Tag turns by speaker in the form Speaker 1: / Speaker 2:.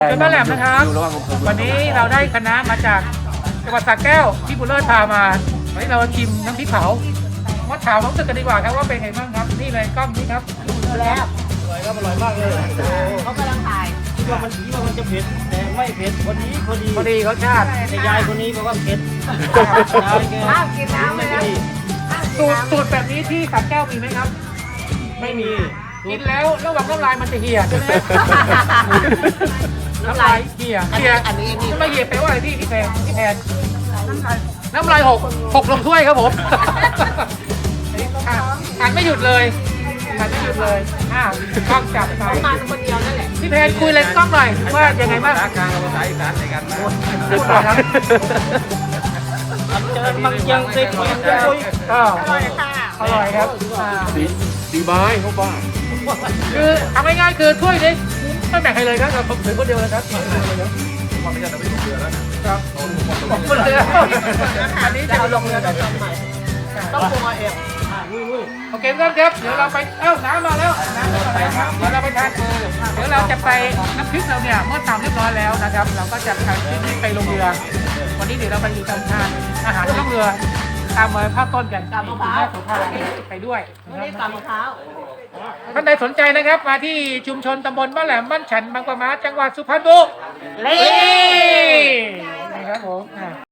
Speaker 1: เป็นบ้านแหลมนะครับวันนี้เราได้คณะมาจากจังหวัดสระแก้วที่บุญเลิศพามาวันนี้เราชิมน้ำพริกเผามาถามน้องตึกกันดีกว่าครับว่าเป็นไงบ้างครับนี่เลยกล้องนี้ครับ
Speaker 2: แล้ว
Speaker 3: อร่อยครับอร่อยมากเลย
Speaker 2: เขากำลังถ่าย
Speaker 3: คิดว่ามันจะเผ็ดแต่ไม่เผ็ดพอดี
Speaker 1: พอดีเขาชาติ
Speaker 3: แต่ยายคนนี้บอกว่าเผ็ดยายแก
Speaker 2: ห้ามกินน้ำเลยนะ
Speaker 1: สูตรแบบนี้ที่สระแก้วมีไหมครับ
Speaker 3: ไม่มี
Speaker 1: กินแล้วระหว่างน้ำลายมันจะเหี่ยใช่ไหมน้ำลายเหี่ย
Speaker 2: อันนี้นี่
Speaker 1: น้ำลายเหี่ยแปลว่าอะไรพี่แพนน้ำลายหกลงถ้วยครับผมอ่านไม่หยุดเลยอ่านไม่หยุดเลยกล้องจับไป
Speaker 2: มาคนเดียวนั่นแหละ
Speaker 1: พี่แพนคุยเลยกล้องหน่อยว่ายังไงบ้าง
Speaker 3: ภาษากลางกับภาษาอีสานในกันนะ
Speaker 1: พูดหน่อยครับ
Speaker 3: เจอมันยังติดมันยังคุย
Speaker 1: ก็
Speaker 2: อร่อยค่ะ
Speaker 1: อร่อยครับ
Speaker 3: ดีไม้เขาบ้า
Speaker 1: คือทำง่ายๆคือถ้วยนี้ไม่แบ่งใครเลยครับเราถือคนเดียวเลยครับความไม่ใช่เราไม่ลงเรือแล้วนะครับลงเรืออันนี้จะลงเรือแต่ต้องใหม่
Speaker 2: ต้องปรุงเอาเอง
Speaker 1: โอเคครับเดี๋ยวเราไปน้ำมาแล้วน้ำมาแล้วครับเดี๋ยวเราไปทานเดี๋ยวเราจะไปน้ำพริกเราเนี่ยเมื่อตำเรียบร้อยแล้วนะครับ เราก็จะทานพริกนี้ไปลงเรือวันนี้เดี๋ยวเราไปอยู่ทำทานอาหารที่ลงเรือตามมาภาพต้นกันกับมะพร้าวไปด้วย
Speaker 2: ไม่ได้กับมะพร้าว
Speaker 1: ท่านใดสนใจนะครับมาที่ชุมชนตำบลบ้านแหลมบ้านฉันบางปะมาจังหวัดสุพรรณบุรีนี่ครับผม